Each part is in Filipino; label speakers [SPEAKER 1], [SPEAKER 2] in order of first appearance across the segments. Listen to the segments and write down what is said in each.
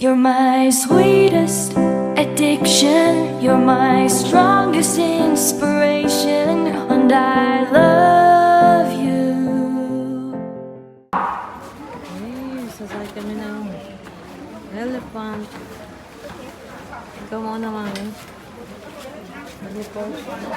[SPEAKER 1] You're my sweetest addiction. You're my strongest inspiration, and I love you.
[SPEAKER 2] Ay, sasakay kami ng elephant. Ikaw muna, mami. Elephant.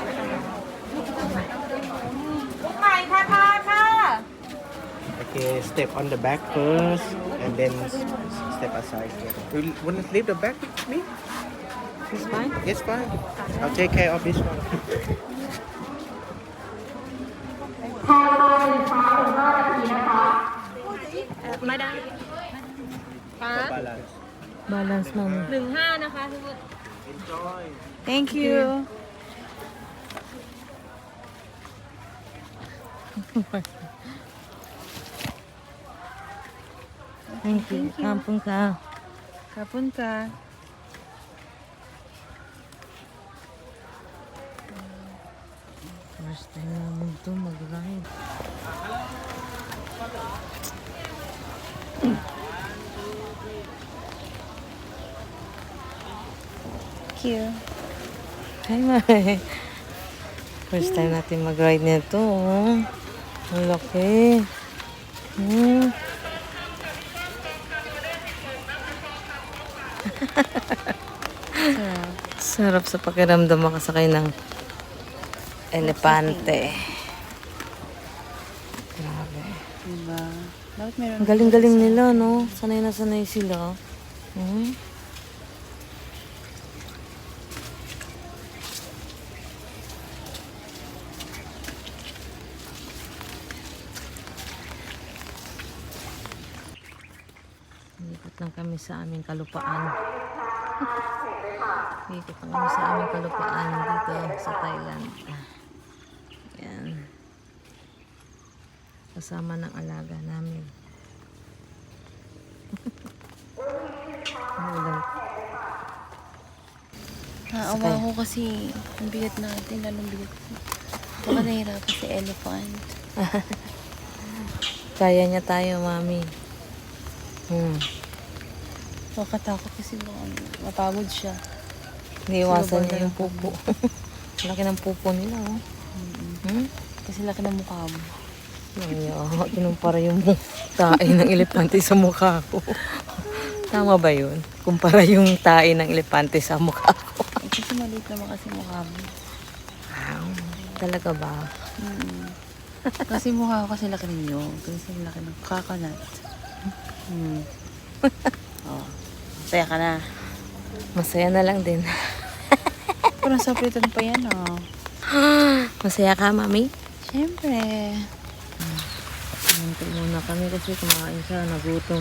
[SPEAKER 3] Okay, step on the back first, and then step aside. You want to leave the back with me?
[SPEAKER 2] It's fine?
[SPEAKER 3] Yes, fine. I'll take care of this one. Balance.
[SPEAKER 2] Balance, mami.
[SPEAKER 4] 15 นะคะทุกคน
[SPEAKER 3] Enjoy.
[SPEAKER 2] Thank you. Thank you. Kampung ka.
[SPEAKER 4] Kapun ka.
[SPEAKER 2] First time namin ito mag-ride.
[SPEAKER 4] Cute.
[SPEAKER 2] Hi, Mami. First time natin mag-ride nito. Oh. Ang laki. Sarap sa pakiramdam makasakay ng elepante. Grabe.
[SPEAKER 4] Diba? Dapat meron.
[SPEAKER 2] Ang galing-galing nila, no? Sanay na sanay sila. Ikot lang kami sa aming kalupaan. Ikot lang kami sa aming kalupaan dito sa Thailand. Yan. Kasama ng alaga namin. Ulan.
[SPEAKER 4] Naawa ko kasi ang bigat natin, lalong bigat. Baka nahirapan si elephant.
[SPEAKER 2] Kaya niya tayo, Mami.
[SPEAKER 4] Makatakot kasi baka mapagod siya.
[SPEAKER 2] Iniiwasan niya yung pupo. Laki ng pupo nila, oh.
[SPEAKER 4] Kasi laki ng mukha mo.
[SPEAKER 2] Kinumpara yung tae ng elepante sa mukha ko. Tama ba yun? Kumpara yung tae ng elepante sa mukha ko.
[SPEAKER 4] Kasi maliit naman kasi mukha mo.
[SPEAKER 2] Wow. Talaga ba?
[SPEAKER 4] Kasi mukha ko kasi laki ninyo. Kasi laki ng coconut. Oh. Saya ka na.
[SPEAKER 2] Masaya na lang din.
[SPEAKER 4] Parang saplitan pa yan, oh.
[SPEAKER 2] Masaya ka, Mami?
[SPEAKER 4] Siyempre.
[SPEAKER 2] Hintay muna kami kasi kumain siya, nagutom.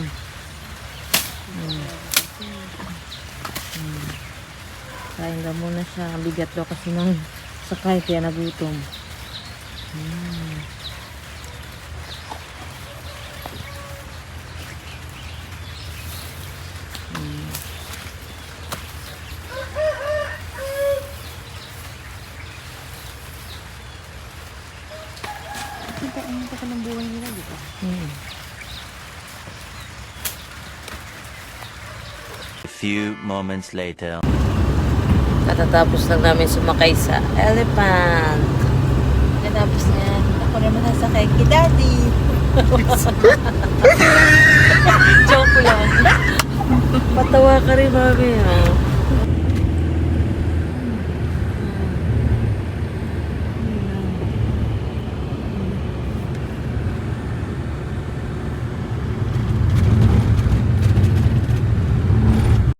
[SPEAKER 2] Kain daw muna siya. Bigat daw kasi ng sakay kaya nagutom.
[SPEAKER 4] Ang taka ng buhay nila, di ba?
[SPEAKER 5] A few moments later.
[SPEAKER 2] Katatapos lang namin sumakay sa elephant.
[SPEAKER 4] Natapos na yan. Ako naman nasakay kay Daddy. Joke lang.
[SPEAKER 2] Patawa ka rin, Mami, ha?